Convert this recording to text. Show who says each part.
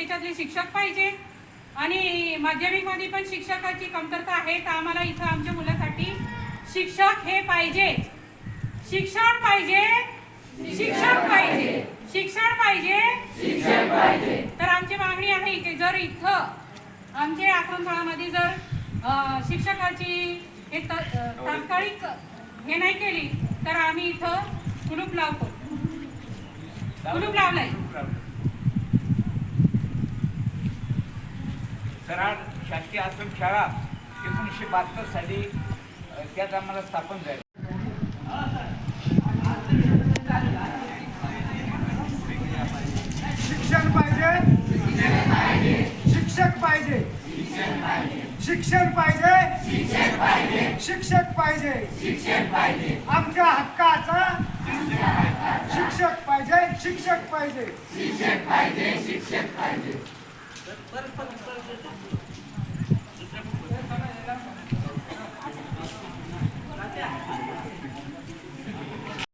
Speaker 1: त्याच्यातले शिक्षक पाहिजे आणि माध्यमिकमध्ये पण शिक्षकाची कमतरता आहे. तर आम्हाला इथं आमच्या मुलासाठी शिक्षक हे पाहिजे. शिक्षण पाहिजे, शिक्षक पाहिजे, शिक्षण पाहिजे, शिक्षक पाहिजे. तर आमची मागणी आहे की जर इथं आमच्या आश्रमशाळामध्ये जर शिक्षकाची तात्कालिक हे नाही केली तर आम्ही इथं कुलूप लावतो. कुलूप लावलाय.
Speaker 2: कराड शासकीय आश्रमशाळा 1972 साली त्यात आम्हाला स्थापन झाली.
Speaker 3: शिक्षण पाहिजे, शिक्षक पाहिजे, शिक्षण पाहिजे, शिक्षक पाहिजे, आमच्या हक्काचा शिक्षक पाहिजे, शिक्षक पाहिजे.